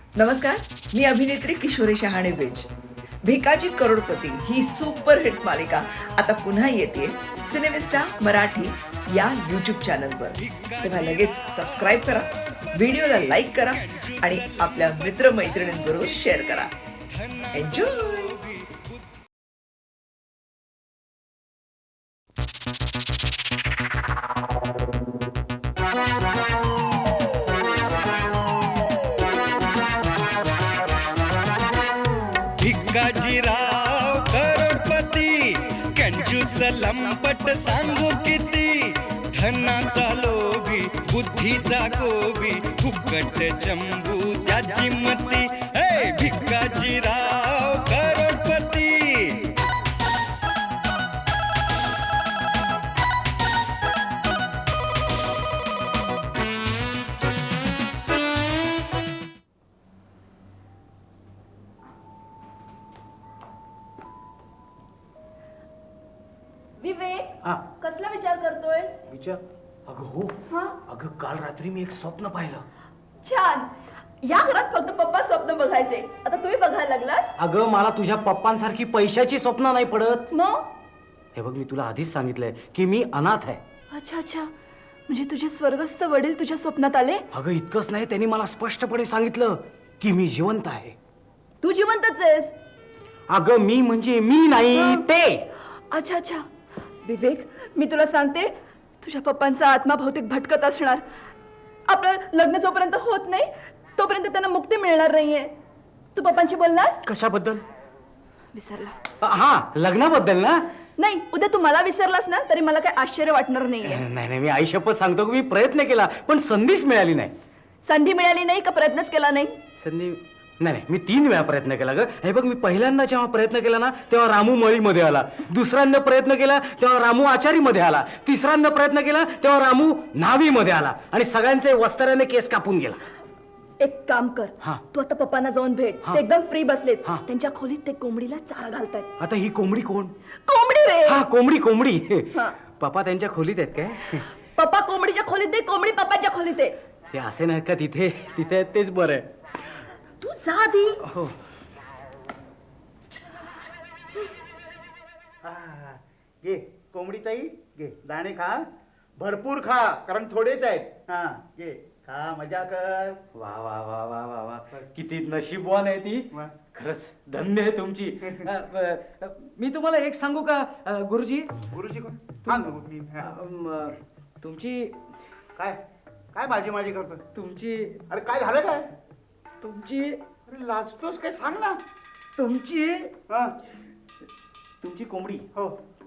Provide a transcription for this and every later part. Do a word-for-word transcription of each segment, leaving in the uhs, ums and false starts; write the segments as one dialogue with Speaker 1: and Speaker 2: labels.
Speaker 1: नमस्कार, मी अभिनेत्री किशोरी शहाणे बेज. भिकाजी करोडपती ही सुपरहिट मालिका आता पुन्हा येते सिनेमिस्टा मराठी या यूट्यूब चॅनलवर. तेव्हा लगेच सबस्क्राईब करा, व्हिडिओला लाईक करा आणि आपल्या मित्रमैत्रिणींबरोबर शेअर करा. एन्जॉय.
Speaker 2: भिकाजीराव करोडपती कंजूस लंपट सांगू किती, धनाचा लोभी बुद्धीचा गोबी फुकट चंबू त्याची मती. हे भिकाजीराव करोडपती.
Speaker 3: विवेक,
Speaker 4: हा
Speaker 3: कसला विचार करतोयस?
Speaker 4: विचार. अगं हो,
Speaker 3: हा?
Speaker 4: अगं काल रात्री मी एक स्वप्न पाहिलं.
Speaker 3: छान. या घरात फक्त पप्पा स्वप्न बघायचे, आता तुम्ही बघायला लागलास.
Speaker 4: अगं मला तुझ्या पप्पांसारखी पैशाची स्वप्न नाही पडत.
Speaker 3: मग
Speaker 4: हे बघ, मी तुला आधीच सांगितलंय की मी अनाथ आहे.
Speaker 3: अच्छा अच्छा, म्हणजे तुझे स्वर्गस्थ वडील तुझ्या स्वप्नात आले?
Speaker 4: अगं इतकंच नाही, त्यांनी मला स्पष्टपणे सांगितलं की मी जिवंत आहे.
Speaker 3: तू जिवंतच आहेस?
Speaker 4: अगं मी म्हणजे मी नाही,
Speaker 3: हा.
Speaker 4: ते.
Speaker 3: अच्छा अच्छा. विवेक, मी तुला सांगते, तुझ्या पप्पांचा आत्मा बहुतेक भटकत असणार. आपलं लग्न जोपर्यंत होत नाही तोपर्यंत त्यांना मुक्ती मिळणार नाहीये. तू पप्पांशी बोललास?
Speaker 4: कशाबद्दल?
Speaker 3: विसरला?
Speaker 4: हा, लग्नाबद्दल ना.
Speaker 3: नाही, उद्या तू मला विसरलास ना तरी मला काही आश्चर्य वाटणार नाहीये.
Speaker 4: नाही नाही, मी आई शपथ सांगतो की मी प्रयत्न केला पण संधीच मिळाली नाही.
Speaker 3: संधी मिळाली नाही का प्रयत्नच केला नाही?
Speaker 4: संधी नाही नाही, मी तीन वेळा प्रयत्न केला ग. हे बघ, मी पहिल्यांदा जेव्हा प्रयत्न केला ना तेव्हा रामू मळीमध्ये आला. दुसऱ्यांदा प्रयत्न केला तेव्हा रामू आचारीमध्ये आला. तिसऱ्यांदा प्रयत्न केला तेव्हा रामू न्हावीमध्ये आला आणि सगळ्यांचे वस्त्राने केस कापून गेला.
Speaker 3: एक काम कर,
Speaker 4: हा.
Speaker 3: तू आता पप्पांना जाऊन भेट.
Speaker 4: हा.
Speaker 3: ते एकदम फ्री बसलेत.
Speaker 4: हा.
Speaker 3: त्यांच्या खोलीत ते कोंबडीला चारा घालतायत.
Speaker 4: आता ही कोंबडी कोण?
Speaker 3: कोंबडी रे.
Speaker 4: हा, कोंबडी कोंबडी.
Speaker 3: हा.
Speaker 4: पप्पा त्यांच्या खोलीत आहेत काय?
Speaker 3: पप्पा कोंबडीच्या खोलीत आहे, कोंबडी पप्पाच्या खोलीत आहे.
Speaker 4: ते असे नाहीत का तिथे? तिथे आहेत तेच बरं आहे.
Speaker 3: तू जा आधी.
Speaker 4: हो.
Speaker 5: हा, घे कोंबडी ताई, घे दाणे खा, भरपूर खा, कारण थोडेच आहेत. हा घे, खा, मजा कर.
Speaker 4: वा वा वा वा वा वा, किती नशीबवान आहे ती.
Speaker 5: वा.
Speaker 4: खरंच धन्य आहे तुमची. अ, अ, मी तुम्हाला एक सांगू का अ, गुरुजी?
Speaker 5: गुरुजी कोण? हा मी
Speaker 4: अ,
Speaker 5: हा.
Speaker 4: म, तुमची
Speaker 5: काय काय माझी माझी करतो?
Speaker 4: तुमची
Speaker 5: अरे काय झालं काय?
Speaker 4: तुमची
Speaker 5: अरे लाजतोस काय, सांग ना.
Speaker 4: तुमची
Speaker 5: हा,
Speaker 4: तुमची कोंबडी.
Speaker 5: हो.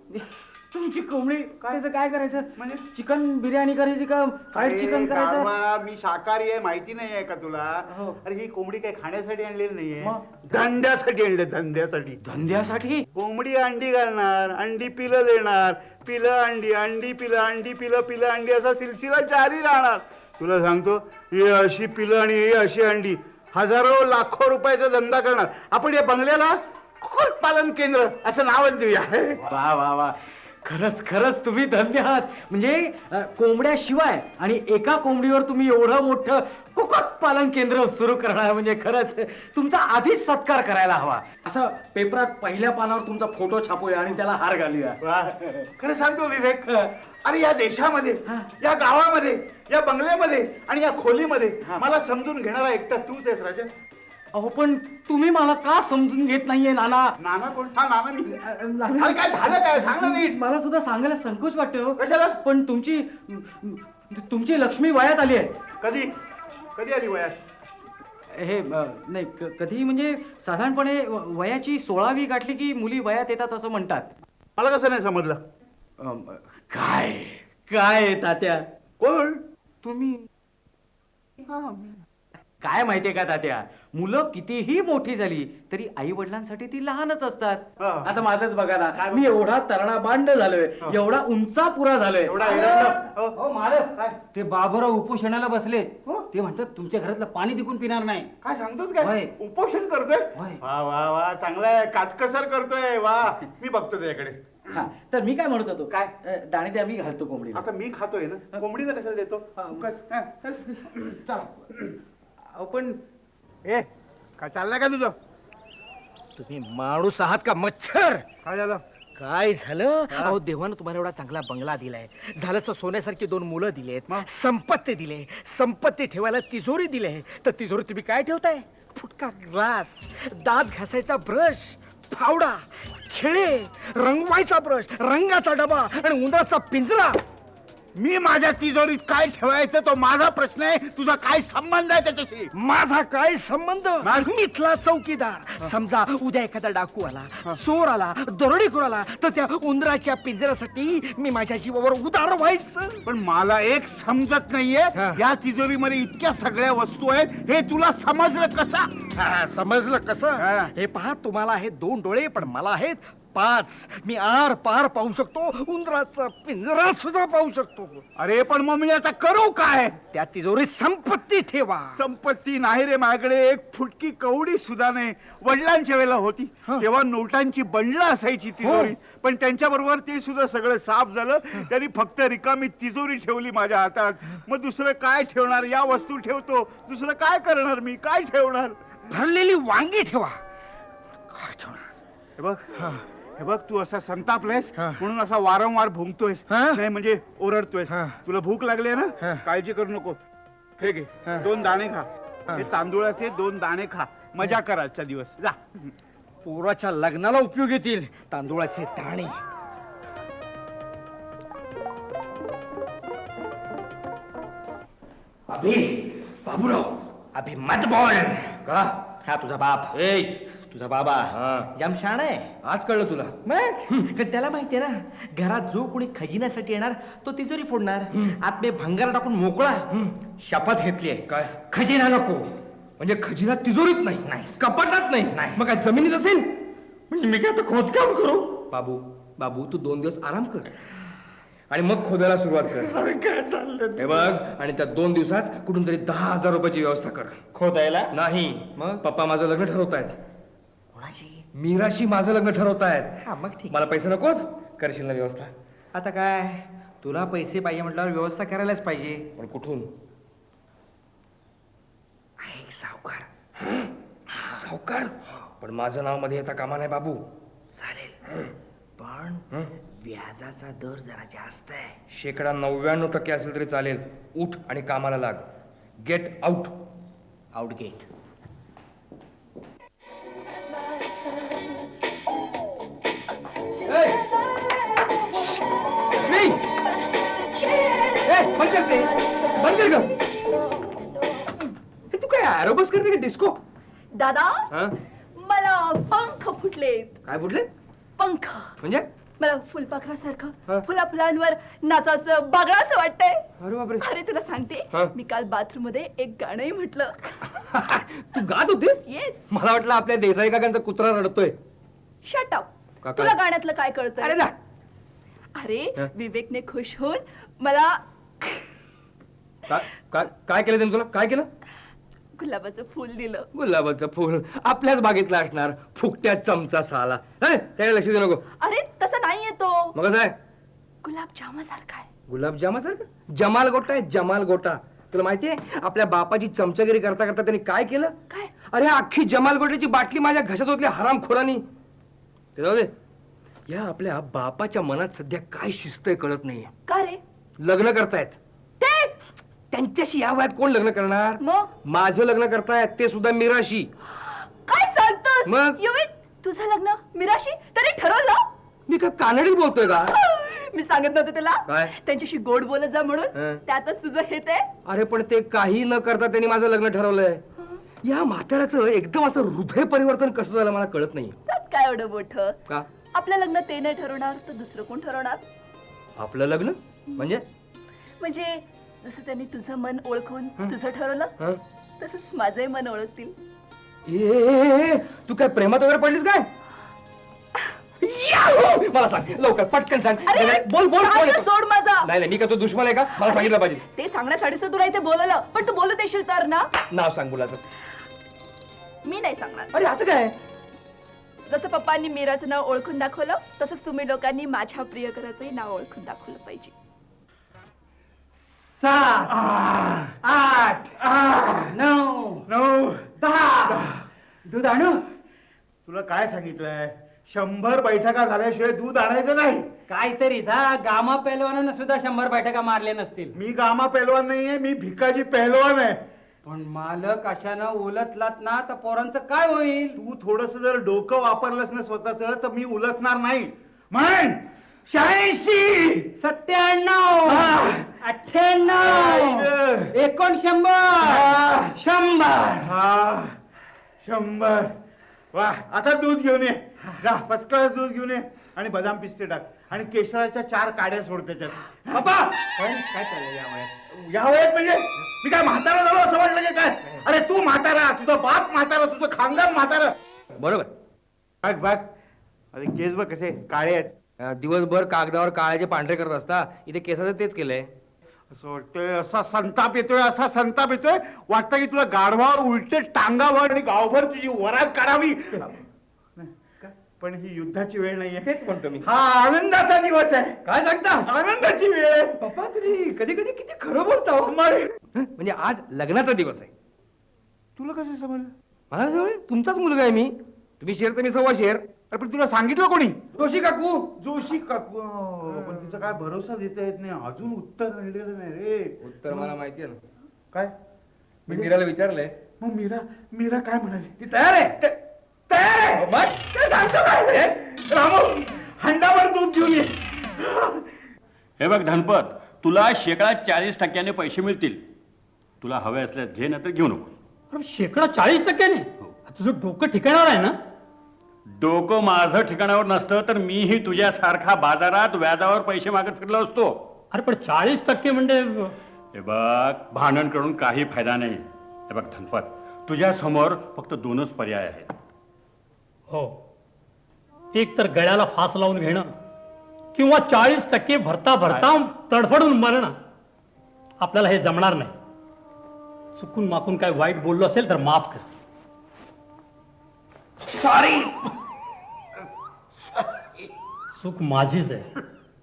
Speaker 4: तुमची कोंबडी त्याचं काय करायचं?
Speaker 5: म्हणजे?
Speaker 4: चिकन बिर्याणी करायची का फ्राईड चिकन
Speaker 5: अरे
Speaker 4: करायचं?
Speaker 5: गाढवा, मी शाकाहारी आहे, माहिती नाही आहे का तुला?
Speaker 4: हो.
Speaker 5: अरे ही कोंबडी काय खाण्यासाठी आणलेली नाहीये,
Speaker 4: मग?
Speaker 5: धंद्यासाठी आणले, धंद्यासाठी.
Speaker 4: धंद्यासाठी?
Speaker 5: कोंबडी अंडी घालणार, अंडी पिलं देणार, पिलं अंडी, अंडी पिलं, अंडी पिलं, पिलं अंडी, असा सिलसिला जारी राहणार. तुला सांगतो, ही अशी पिलं आणि ही अशी अंडी, हजारो लाखो रुपयाचा धंदा करणार. आपण या बंगल्याला कुक्कुटपालन केंद्र असं नावच देऊया.
Speaker 4: वा वा वा, खरंच खरंच तुम्ही धन्य आहात. म्हणजे अ, कोंबड्याशिवाय आणि एका कोंबडीवर तुम्ही एवढं मोठं कुक्कुटपालन केंद्र सुरू करणार म्हणजे खरंच तुमचा आधीच सत्कार करायला हवा. असं पेपरात पहिल्या पानावर तुमचा फोटो छापूया आणि त्याला हार घालूया.
Speaker 5: वा. खरं सांगतो विवेक, अरे या देशामध्ये, या गावामध्ये, या बंगल्यामध्ये आणि या खोलीमध्ये मला समजून घेणारा एकटा तूच आहेस राजा.
Speaker 4: अहो पण तुम्ही मला का समजून घेत नाहीये नाना?
Speaker 5: नाना कोण? हा नाना मी.
Speaker 4: नाना-
Speaker 5: अरे काय झालं काय, सांग ना नीट.
Speaker 4: मला सुद्धा सांगायला संकोच वाटतो.
Speaker 5: कशाला?
Speaker 4: पण तुमची तुमची लक्ष्मी वयात आली आहे.
Speaker 5: कधी कधी आली वयात?
Speaker 4: हे अ, नाही क- कधी म्हणजे साधारणपणे व- वयाची सोळावी गाठली की मुली वयात येतात असं म्हणतात.
Speaker 5: मला कसं नाही समजलं?
Speaker 4: अम, काय काय तात्या
Speaker 5: कोण?
Speaker 4: तुम्ही?
Speaker 5: हा, मी.
Speaker 4: काय माहितीये का तात्या, मुलं कितीही मोठी झाली तरी आई वडिलांसाठी ती लहानच असतात.
Speaker 5: हा.
Speaker 4: आता माझंच बघा ना,
Speaker 5: काय
Speaker 4: मी एवढा तरणा बांड झालोय,
Speaker 5: हा.
Speaker 4: एवढा उंचा पुरा झालोय.
Speaker 5: एवढा एरंड- हो.
Speaker 6: हो मालक,
Speaker 5: काय?
Speaker 6: ते बाबूराव उपोषणाला बसले.
Speaker 5: हो?
Speaker 6: ते म्हणतात तुमच्या घरातलं पाणी तिकून पिणार नाही.
Speaker 5: काय सांगतोस काय?
Speaker 6: होय.
Speaker 5: उपोषण करतोय?
Speaker 6: होय.
Speaker 5: वा वा वा, चांगलाय, काटकसर करतोय. वा, मी बघतो त्याच्याकडे.
Speaker 4: हा, तर मी काय म्हणत होतो,
Speaker 5: काय?
Speaker 4: अ, दाणे द्या, मी घालतो कोंबडीला.
Speaker 5: आता मी खातोय ना, कोंबडीला कशाला देतो?
Speaker 4: हा.
Speaker 5: काय? हा, चल.
Speaker 6: चला.
Speaker 4: अहो, पण
Speaker 5: ए काय चाललंय का तुझं?
Speaker 4: तुम्ही माणूस आहात का मच्छर?
Speaker 5: काय झालं?
Speaker 4: काय झालं? अहो देवानं तुम्हाला एवढा चांगला बंगला दिलाय, झालं तर सोन्यासारखी दोन मुलं दिलेत, संपत्ती दिले, संपत्ती ठेवायला तिजोरी दिले, तर तिजोरी तुम्ही काय ठेवताय? फुटका ग्लास, दात घासायचा ब्रश, फावडा, खिळे, रंगवायचा ब्रश, रंगाचा डबा आणि उंदराचा पिंजरा.
Speaker 5: मी माझ्या तिजोरीत काय ठेवायचं तो माझा प्रश्न आहे, तुझा काय संबंध आहे त्याच्याशी?
Speaker 4: माझा काय संबंध?
Speaker 5: मग?
Speaker 4: मिथला चौकीदार. समजा उद्या एखादा डाकू आला, चोर आला, दरोडेखोर आला, तर त्या उंदराच्या पिंजऱ्यासाठी मी माझ्या जीवावर उदार व्हायचं.
Speaker 5: पण मला एक समजत नाहीये,
Speaker 4: हा.
Speaker 5: या तिजोरीमध्ये इतक्या सगळ्या वस्तू आहेत, हे तुला समजलं कसा?
Speaker 4: हा, समजलं कसं?
Speaker 5: हा.
Speaker 4: हे पहा, तुम्हाला आहेत दोन डोळे, पण मला आहेत पाच. मी आर पार पाहू शकतो, उंदराचा पिंजरा सुद्धा पाहू शकतो.
Speaker 5: अरे पण मग मी आता करू काय?
Speaker 4: त्या तिजोरीत संपत्ती ठेवा.
Speaker 5: संपत्ती नाही रे माझ्याकडे, एक फुटकी कवडी सुद्धा नाही. वडिलांच्या वेळेला होती तेव्हा नोटांची बंडलं असायची तिजोरी, पण त्यांच्या बरोबर ते सुद्धा सगळं साफ झालं. त्यांनी फक्त रिकामी तिजोरी ठेवली माझ्या हातात. मग दुसरं काय ठेवणार? या वस्तू ठेवतो, दुसरं काय करणार मी? काय ठेवणार?
Speaker 4: भरलेली वांगी ठेवा. काय ठेवणार?
Speaker 5: हे बघ, हे बघ, तू असा संतापलायस
Speaker 4: हा.
Speaker 5: म्हणून असा वारंवार भुंकतोयस,
Speaker 4: हा?
Speaker 5: नाही म्हणजे ओरडतोयस.
Speaker 4: हा.
Speaker 5: तुला भूक लागली आहे
Speaker 4: हा.
Speaker 5: ना, काळजी करू नको. हे घे,
Speaker 4: हा.
Speaker 5: दोन दाणे खा.
Speaker 4: हा.
Speaker 5: हे तांदूळाचे दोन दाणे खा, मजा कर आजचा दिवस. जा.
Speaker 4: पोराच्या लग्नाला उपयोग येतील तांदूळाचे दाणे. अभि, बाबूराव, अभि मत बोल. का? हा तुझा बाप. ए तुझा बाबा जाम शाण आहे. आज कळलं तुला? मग त्याला माहितीये ना, घरात जो कोणी खजिन्यासाठी येणार तो तिजोरी फोडणार, आत मी भंगार टाकून मोकळा. शपथ घेतली आहे. काय? खजिना नको. म्हणजे खजिना तिजोरीत नाही, नाही कपाटात नाही, नाही मग काय जमिनीत असेल? म्हणजे मी काय आता खोदकाम करू? बाबू बाबू तू दोन दिवस आराम कर आणि मग खोदायला सुरुवात कर. अरे काय चाललंय हे बघ, आणि त्या दोन दिवसात कुठून तरी दहा हजार रुपयाची व्यवस्था कर. खोदायला नाही. मग पप्पा माझं लग्न ठरवतायत. कोणाशी? मीराशी माझं लग्न ठरवतायत. हा मग ठीक. मला पैसे नकोत? करशील ना व्यवस्था? आता काय, तुला पैसे पाहिजे म्हटल्यावर व्यवस्था करायलाच पाहिजे. पण कुठून? आहे सावकार. सावकार? पण माझं नाव मध्ये येता कामा नाही बाबू. चालेल, पण व्याजाचा दर जरा जास्त आहे. शेकडा नव्याण्णव टक्के असेल तरी चालेल. उठ आणि कामाला लाग. Get out. Out get. बंद करते, बंद कर ग. तू काय ॲरोबस करते का डिस्को?
Speaker 3: दादा,
Speaker 4: हा?
Speaker 3: मला पंख फुटलेत.
Speaker 4: काय फुटले?
Speaker 3: पंख.
Speaker 4: म्हणजे?
Speaker 3: मला
Speaker 4: हा?
Speaker 3: फुलपाखरासारखं फुला फुलांवर नाचाचं बागळा असं वाटतंय.
Speaker 4: अरे बापरे.
Speaker 3: अरे तुला सांगते,
Speaker 4: हा?
Speaker 3: मी काल बाथरूम मध्ये एक गाणंही म्हटलं.
Speaker 4: तू गात होतीस?
Speaker 3: येस.
Speaker 4: मला वाटलं आपल्या देसाई काकांचा कुत्रा रडतोय.
Speaker 3: Shut up.
Speaker 4: का-
Speaker 3: तुला
Speaker 4: काय?
Speaker 3: गाण्यातलं काय कळतं?
Speaker 4: अरे ना.
Speaker 3: अरे
Speaker 4: हा?
Speaker 3: विवेकने खुश होऊन मला
Speaker 4: काय काय काय केलं त्याने तुला? काय केलं?
Speaker 3: गुलाबाचं फुल दिलं.
Speaker 4: गुलाबाचं फुल आपल्याच बागेतलं असणार. फुकट्या चमचा साला. हे, त्याकडे लक्ष देऊ नको.
Speaker 3: अरे तसं नाहीये तो.
Speaker 4: मग कसं आहे?
Speaker 3: गुलाबजामासारखा आहे.
Speaker 4: गुलाबजामासारखं? जमाल गोटा आहे, जमाल गोटा. तुला माहितीये आपल्या बापाची चमचागिरी करता करता त्यांनी काय केलं?
Speaker 3: काय?
Speaker 4: अरे अख्खी जमाल गोट्याची बाटली माझ्या घशात होतली हरामखोरांनी. ते जाऊ दे. या आपल्या बापाच्या मनात सध्या काय शिस्त आहे कळत नाहीये.
Speaker 3: का रे?
Speaker 4: लग्न करतायत.
Speaker 3: ते
Speaker 4: त्यांच्याशी या वयात कोण लग्न करणार?
Speaker 3: मग?
Speaker 4: माझं लग्न करतायत, ते सुद्धा मीराशी.
Speaker 3: काय सांगतोस?
Speaker 4: मग?
Speaker 3: युवी, तुझं लग्न मीराशी तरी ठरवलं?
Speaker 4: मी का कानडीत बोलतोय का?
Speaker 3: मी सांगत नव्हते तुला
Speaker 4: काय?
Speaker 3: त्यांच्याशी गोड बोलत जा म्हणून.
Speaker 4: हं.
Speaker 3: त्यातच तुझं हे ते.
Speaker 4: अरे पण ते काही न करता त्यांनी माझं लग्न ठरवलंय. या म्हाताऱ्याचं एकदम असं हृदय परिवर्तन कसं झालं मला कळत नाही.
Speaker 3: त्यात काय एवढं मोठं?
Speaker 4: का?
Speaker 3: आपलं लग्न ते नाही ठरवणार तर दुसरं कोण ठरवणार?
Speaker 4: आपलं लग्न म्हणजे?
Speaker 3: म्हणजे जसं त्यांनी तुझं मन ओळखून तुझं ठरवलं,
Speaker 4: हं?
Speaker 3: तसंच माझंही मन ओळखतील.
Speaker 4: ए, ए, ए, तू काय प्रेमात वगैरे पडलीस काय? याहू! मला सांग लवकर, पटकन सांग.
Speaker 3: अरे,
Speaker 4: नाही, नाही, बोल बोल
Speaker 3: हात
Speaker 4: कोण आहे?
Speaker 3: सोड माझा.
Speaker 4: नाही नाही, मी का तो दुश्मन आहे का? मला सांगितलं पाहिजे.
Speaker 3: ते सांगण्यासाठीच तर तुला इथे बोलवलं, पण तू बोलत येशील तर ना.
Speaker 4: नाव सांग मुलाचं.
Speaker 3: मी नाही सांगणार.
Speaker 4: अरे असं काय?
Speaker 3: जसं पप्पांनी मीराचं नाव ओळखून दाखवलं, तसंच तुम्ही लोकांनी माझ्या प्रियकराचंही नाव ओळखून दाखवलं पाहिजे.
Speaker 4: सात, आठ, नऊ,
Speaker 5: नऊ
Speaker 4: दहा, दूध आणू?
Speaker 5: तुला काय सांगितलंय, शंभर बैठका झाल्याशिवाय दूध आणायचं नाही.
Speaker 6: काहीतरी जा गामा पेलवानानं सुद्धा शंभर बैठका मारल्या नसतील.
Speaker 5: मी गामा पहलवान नाहीये, मी भिकाजी पहलवान आहे.
Speaker 6: पण मालक अशानं उलटलात ना तर पोरांचं काय होईल?
Speaker 5: तू थोडस जर डोकं वापरलंस ना स्वतःच तर मी उलटणार नाही. म्हण शहाऐंशी,
Speaker 6: सत्त्याण्णव,
Speaker 5: हा.
Speaker 6: अठ्ठ्याण्णव,
Speaker 5: ऐक.
Speaker 6: एकोणशंभर,
Speaker 5: हा.
Speaker 6: शंभर.
Speaker 5: हा शंभर. वा आता दूध घेऊन ये, जा फर्स्ट क्लास दूध घेऊन ये आणि बदाम पिस्ते टाक आणि केशराच्या चार काड्या सोड त्याच्यात.
Speaker 6: बाबा
Speaker 5: काय काय चाललंय या वयात? या वयात म्हणजे मी काय म्हातारा झालो असं वाटलं की काय? अरे तू म्हातारा, तुझा बाप म्हातारा, तुझं खानदान म्हातारा.
Speaker 7: बरोबर.
Speaker 5: बघ बघ, अरे केस बघ कसे काळे आहेत.
Speaker 7: अं, दिवसभर कागदावर काळाचे पांढरे करत असता, इथे केसाचं तेच केलंय.
Speaker 5: असं वाटतंय, असा संताप येतोय, असा संताप येतोय, वाटतं की तुला गाढवावर उलटे टांगावर आणि गावभर तुझी वरात काढावी. पण ही युद्धाची वेळ नाहीये.
Speaker 7: तेच म्हणतो मी.
Speaker 5: हा आनंदाचा दिवस आहे.
Speaker 7: काय सांगता?
Speaker 5: आनंदाची वेळ आहे.
Speaker 7: पप्पा तुम्ही कधी कधी किती खरं बोलता हो.
Speaker 5: मग
Speaker 7: म्हणजे आज लग्नाचा दिवस आहे.
Speaker 5: तुला कसं समजलं?
Speaker 7: मला जवळ तुमचाच मुलगा आहे मी. तुम्ही शेर तर मी सव्वा शेर.
Speaker 5: अरे पण तुला सांगितलं कोणी?
Speaker 7: जोशी काकू.
Speaker 5: जोशी काकू. अं, पण तिचा काय भरोसा देता येत नाही, अजून उत्तर आणलेलं नाही रे.
Speaker 7: उत्तर मला माहिती आहे ना.
Speaker 5: काय?
Speaker 7: मी मीराला विचारलंय.
Speaker 5: मग मीरा मीरा काय म्हणाली?
Speaker 7: ती तयार आहे.
Speaker 5: ते- तयार आहे?
Speaker 7: मग?
Speaker 5: काय सांगतो काय? रामू हंडावर दूध घेऊन ये.
Speaker 8: हे बघ धनपत, तुला शेकडा चाळीस टक्क्याने पैसे मिळतील. तुला हवे असल्यास घे, ना तर घेऊ नको.
Speaker 9: अरे शेकडा चाळीस टक्क्याने? तुझं डोकं ठिकाणावर आहे ना?
Speaker 8: डोकं माझं ठिकाणावर नसतं तर मीही तुझ्यासारखा बाजारात व्याजावर पैसे मागत फिरलो असतो.
Speaker 9: अरे पण चाळीस टक्के म्हणजे
Speaker 8: हे बघ, भांडण करून काही फायदा नाही. हे बघ धनपत, तुझ्या समोर फक्त दोनच पर्याय आहेत.
Speaker 9: हो, एक तर गळ्याला फास लावून घेणं किंवा चाळीस टक्के भरता भरता तडफडून मरणं. आपल्याला हे जमणार नाही. चुकून माकून काय वाईट बोललो असेल तर माफ कर.
Speaker 7: सॉरी.
Speaker 9: चूक माझीच आहे.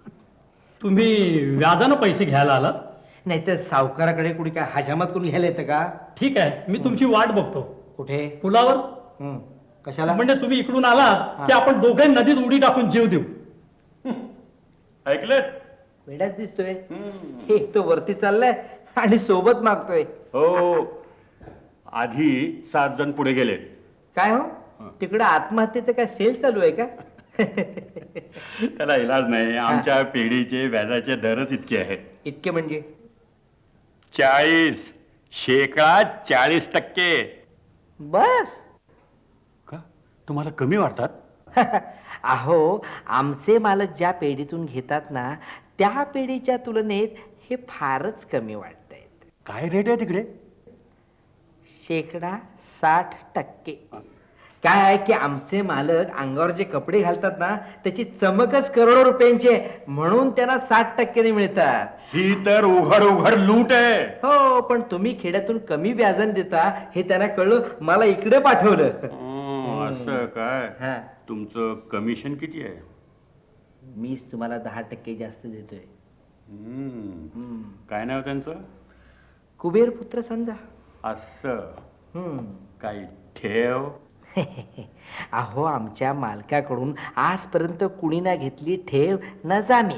Speaker 9: तुम्ही व्याजानं पैसे घ्यायला आलात?
Speaker 7: नाही तर सावकाराकडे कुणी काय हजामत करून घ्यायला येतं का?
Speaker 9: ठीक आहे, मी तुमची वाट बघतो.
Speaker 7: कुठे?
Speaker 9: पुलावर.
Speaker 7: हं. कशाला?
Speaker 9: म्हणजे तुम्ही इकडून आलात की आपण दोघे नदीत उडी टाकून जीव देऊ.
Speaker 8: ऐकलं?
Speaker 7: वेडाच दिसतोय. एक तो वरती चाललाय आणि सोबत मागतोय.
Speaker 8: हो, आधी सात जण पुढे गेले.
Speaker 7: काय हो, तिकडं आत्महत्येचं काय सेल चालू आहे का?
Speaker 8: त्याला इलाज नाही. आमच्या पिढीचे व्याजाचे दरच इतके आहेत.
Speaker 7: इतके म्हणजे?
Speaker 8: चाळीस, शेकडा चाळीस टक्के.
Speaker 7: बस.
Speaker 8: का तुम्हाला कमी वाटतात?
Speaker 7: अहो, आमचे मालक ज्या पेढीतून घेतात ना, त्या पेढीच्या तुलनेत हे फारच कमी वाटत आहेत.
Speaker 8: काय रेट आहे तिकडे?
Speaker 7: शेकडा साठ टक्के. काय आहे की आमचे मालक अंगावर जे कपडे घालतात ना, त्याची चमकच करोडो रुपयांची आहे, म्हणून त्यांना साठ टक्क्याने मिळतात.
Speaker 8: ही तर उघड उघड लूट आहे.
Speaker 7: हो, पण तुम्ही खेड्यातून कमी व्याजन देता हे त्यांना कळलं, मला इकडे पाठवलं.
Speaker 8: हं, असं काय?
Speaker 7: हा.
Speaker 8: तुमचं कमिशन किती आहे?
Speaker 7: मीच तुम्हाला दहा टक्के जास्त देतोय.
Speaker 8: हं. काय नाव त्यांचं?
Speaker 7: कुबेर पुत्र समजा.
Speaker 8: असं
Speaker 7: हम्म.
Speaker 8: काही ठेव?
Speaker 7: अहो, आमच्या मालकाकडून आजपर्यंत कुणी ना घेतली ठेव ना जामीन.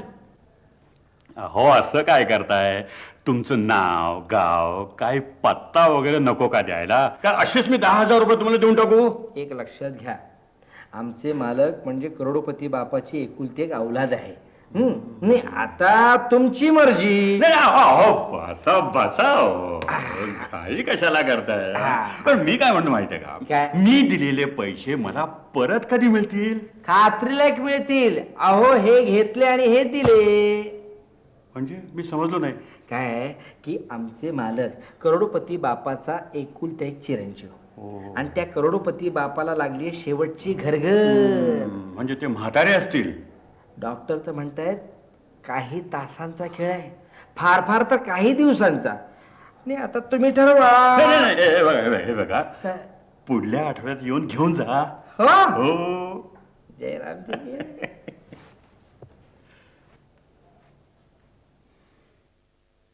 Speaker 8: हो, असं काय करताय? तुमचं नाव गाव काय पत्ता वगैरे नको का द्यायला? का असेच मी दहा हजार रुपये तुम्हाला देऊन टाकू?
Speaker 7: एक लक्षात घ्या, आमचे मालक म्हणजे करोडोपती बापाची एकुलती एक औलाद आहे. हम्म. नाही, आता तुमची मर्जी.
Speaker 8: नाही, अहो, अहो, बसा बसा हो. काही कशाला करताय? पण मी काय म्हणतो माहितीये
Speaker 7: काय?
Speaker 8: का, मी दिलेले पैसे मला परत कधी मिळतील?
Speaker 7: खात्रीला एक मिळतील. अहो, हे घेतले आणि हे दिले.
Speaker 8: म्हणजे मी समजलो नाही.
Speaker 7: काय आहे की आमचे मालक करोडोपती बापाचा एकुलता एक चिरंजीव, आणि त्या करोडोपती बापाला लागली आहे शेवटची घरघर.
Speaker 8: म्हणजे ते म्हातारे असतील.
Speaker 7: डॉक्टर तर म्हणतायत काही तासांचा खेळ आहे, फार फार तर काही दिवसांचा. नाही, आता तुम्ही ठरवा.
Speaker 8: नाही, नाही, नाही, हे बघा, हे बघा, हे बघा,
Speaker 7: काय?
Speaker 8: पुढल्या आठवड्यात येऊन घेऊन जा.
Speaker 7: हो,
Speaker 8: हो.
Speaker 7: जयरामजी.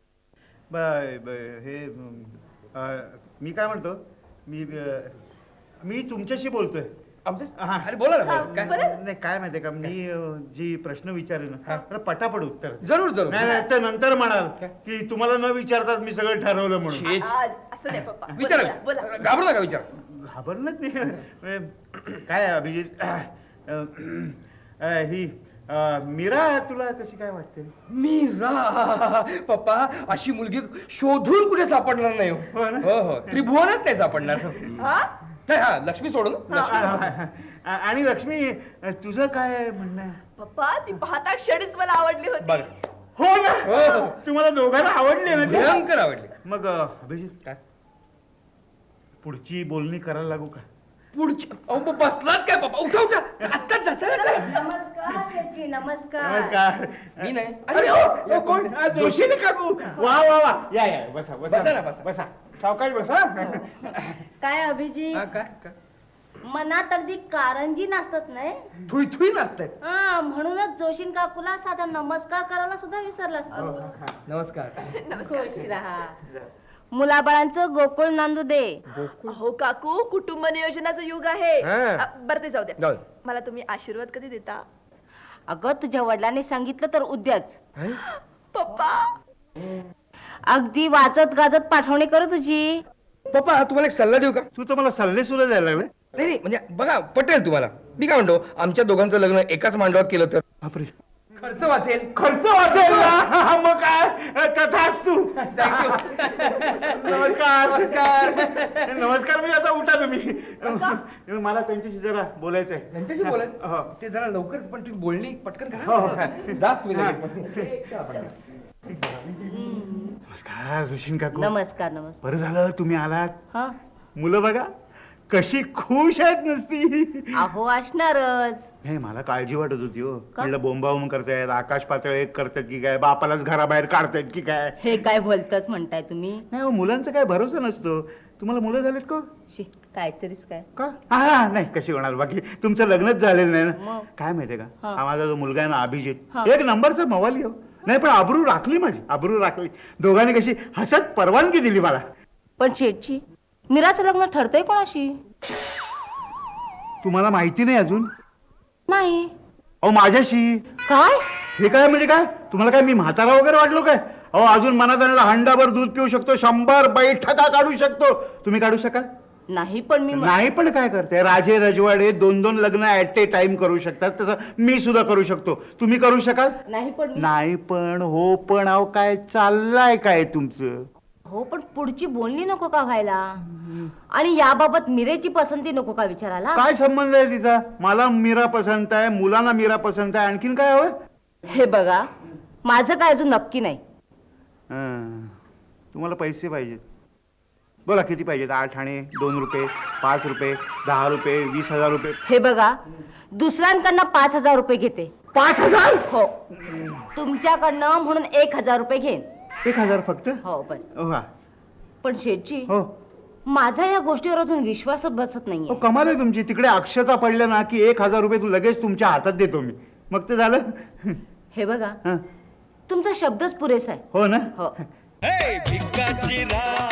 Speaker 5: ब- ब- हे अं, मी काय म्हणतो, मी अं, मी तुमच्याशी बोलतोय
Speaker 10: आमचं अरे बोला ना बोला. काय
Speaker 5: नाही काय माहितीये का मी अं, जी प्रश्न विचारेन ना तर पटापट उत्तर
Speaker 10: जरूर जरूर
Speaker 5: नाही नाही तर नंतर म्हणाल की तुम्हाला न विचारताच मी सगळं ठरवलं म्हणून
Speaker 10: छे, छे.
Speaker 3: आ, असं नाही पप्पा
Speaker 10: विचारा
Speaker 3: बोला, बोला.
Speaker 10: विचारा. घाबरू नका विचार
Speaker 5: घाबरलंच नाही म्हणजे काय आहे, अभिजित अं, अं, ही अं, मीरा तुला कशी काय वाटते
Speaker 10: मीरा पप्पा अशी मुलगी शोधून कुठे सापडणार नाही हो.
Speaker 5: हो ना?
Speaker 10: हो हो त्रिभुवनात नाही सापडणार
Speaker 3: हा?
Speaker 10: नाही हा लक्ष्मी सोडून लक्ष्मी
Speaker 5: आ- आणि लक्ष्मी तुझं काय म्हणणं आहे
Speaker 3: पप्पा ती पाहता क्षणीच मला आवडली होती
Speaker 10: बघा
Speaker 5: हो ना
Speaker 10: हो, हो.
Speaker 5: तुम्हाला दोघांना आवडले ना ती?
Speaker 10: भयंकर आवडली
Speaker 5: मग अं, अभिजित
Speaker 10: काय
Speaker 5: पुढची बोलणी करायला लागू का
Speaker 10: पुढची अहो ब- बसलात काय पप्पा उठा उठा आत्ताच जा चला चला
Speaker 11: नमस्कार शेटजी नमस्कार
Speaker 5: नमस्कार
Speaker 10: मी नाही
Speaker 5: अरे
Speaker 10: अरे
Speaker 5: ओ, ओ, कोण आ, जोशीने काकू वा वा वा या या बसा
Speaker 10: बसा ना,
Speaker 5: बसा
Speaker 10: बसा.
Speaker 5: बसा सावकाश बसा
Speaker 11: काय अभिजी
Speaker 10: हा, काय काय
Speaker 11: मनात अगदी कारंजी नाचतात नाही
Speaker 10: थुई थुई नाचतायत
Speaker 11: हा म्हणूनच जोशीन काकूला साधा नमस्कार करायला सुद्धा विसरलास तू
Speaker 10: नमस्कार
Speaker 11: खुश राहा मुलाबाळांचं गोकुळ नांदू दे
Speaker 3: हो काकू कुटुंब नियोजनाचं युग आहे
Speaker 10: हा.
Speaker 3: आ, बरं ते जाऊ द्या
Speaker 10: जाऊ दे.
Speaker 3: मला तुम्ही आशीर्वाद कधी देता
Speaker 11: अगं तुझ्या वडिलांनी सांगितलं तर उद्याच
Speaker 3: पप्पा
Speaker 11: अगदी वाचत गाजत पाठवणी करू तुझी
Speaker 10: पप्पा तुम्हाला एक सल्ला देऊ का
Speaker 5: तू तर मला सल्ले सुद्धा द्यायला लागले
Speaker 10: नाही नाही म्हणजे बघा पटेल तुम्हाला मी काय म्हणतो आमच्या दोघांचं लग्न एकाच मांडवात केलं तर
Speaker 5: बापरे
Speaker 10: खर्च वाचेल
Speaker 5: खर्च वाचेल ना मग काय तथाच तू
Speaker 10: थँक्यू
Speaker 5: नमस्कार
Speaker 10: नमस्कार
Speaker 5: नमस्कार मी आता उठा तुम्ही मला त्यांच्याशी जरा बोलायचं आहे
Speaker 10: त्यांच्याशी
Speaker 5: हो.
Speaker 10: बोला ते जरा लवकर पण तुम्ही बोलणी पटकन करा जास्त तुम्ही लगेच. चला, पटकन.
Speaker 5: नमस्कार सुशील काकू
Speaker 11: नमस्कार नमस्कार
Speaker 5: बरं झालं तुम्ही आलात
Speaker 11: हा
Speaker 5: मुलं बघा कशी खुश आहेत नुसती
Speaker 11: अहो असणारच
Speaker 5: नाही मला काळजी वाटत होती हो म्हणलं बोंबाबोंब करतायत आकाश पातळ एक करतायत की काय बापालाच घराबाहेर काढतायत की काय
Speaker 11: हे काय बोलतच म्हणताय तुम्ही
Speaker 5: नाही हो मुलांचा काय भरोसा नसतो तुम्हाला मुलं झालेत का
Speaker 11: शी काहीतरीच काय
Speaker 5: का हा हा, नाही कशी होणार बाकी तुमचं लग्नच झालेलं नाही ना
Speaker 11: मग?
Speaker 5: काय माहितीये का
Speaker 11: हा.
Speaker 5: हा माझा जो मुलगा आहे ना अभिजित
Speaker 11: हा.
Speaker 5: एक नंबरचा मवाली हो नाही पण आबरू राखली माझी आबरू राखली दोघांनी कशी हसत परवानगी दिली मला
Speaker 11: पण शेटची मीराचं लग्न ठरतंय कोणाशी
Speaker 5: तुम्हाला माहिती नाही अजून
Speaker 11: नाही
Speaker 5: अहो माझ्याशी
Speaker 11: काय
Speaker 5: हे काय म्हणजे काय तुम्हाला काय मी म्हातारा वगैरे वाटलो काय अहो अजून मनात आलेला हंडाभर दूध पिऊ शकतो शंभर बैठका काढू शकतो तुम्ही काढू शकाल
Speaker 11: नाही पण मी
Speaker 5: नाही पण काय करते राजे रजवाडे दोन दोन लग्न ऍट ए टाइम करू शकतात तसं मी सुद्धा करू शकतो तुम्ही करू शकाल
Speaker 11: नाही पण मी-
Speaker 5: नाही पण हो पण अहो काय चाललंय काय तुमचं
Speaker 11: हो पण पुढची बोलणी नको का व्हायला आणि याबाबत मिरेची पसंती नको का विचारायला
Speaker 5: काय संबंध आहे तिचा मला मीरा पसंत आहे मुलांना मीरा पसंत आहे आणखीन काय हवं
Speaker 11: हे बघा माझं काय अजून नक्की नाही
Speaker 5: हं. तुम्हाला पैसे पाहिजेत बोला किती पाहिजेत आठ आणे दोन रुपये पाच रुपये दहा रुपये वीस हजार रुपये
Speaker 11: हे बघा दुसऱ्यांकडनं पाच हजार रुपये घेते
Speaker 5: पाच हजार
Speaker 11: हो तुमच्याकडनं म्हणून एक हजार रुपये घेईन
Speaker 5: एक हजार फक्त
Speaker 11: हो बस
Speaker 5: हो हा.
Speaker 11: पण शेठजी
Speaker 5: हो
Speaker 11: माझा या गोष्टीवर अजून विश्वासच बसत
Speaker 5: हो
Speaker 11: नाहीये
Speaker 5: कमाल आहे तुमची तिकडे अक्षता पडल्या ना की एक हजार रुपये तू लगेच तुमच्या हातात देतो मी मग ते झालं
Speaker 11: हे बघा
Speaker 5: हं.
Speaker 11: तुमचा शब्दच पुरेसा आहे
Speaker 5: हो ना
Speaker 11: हो
Speaker 2: हे भिकाची राह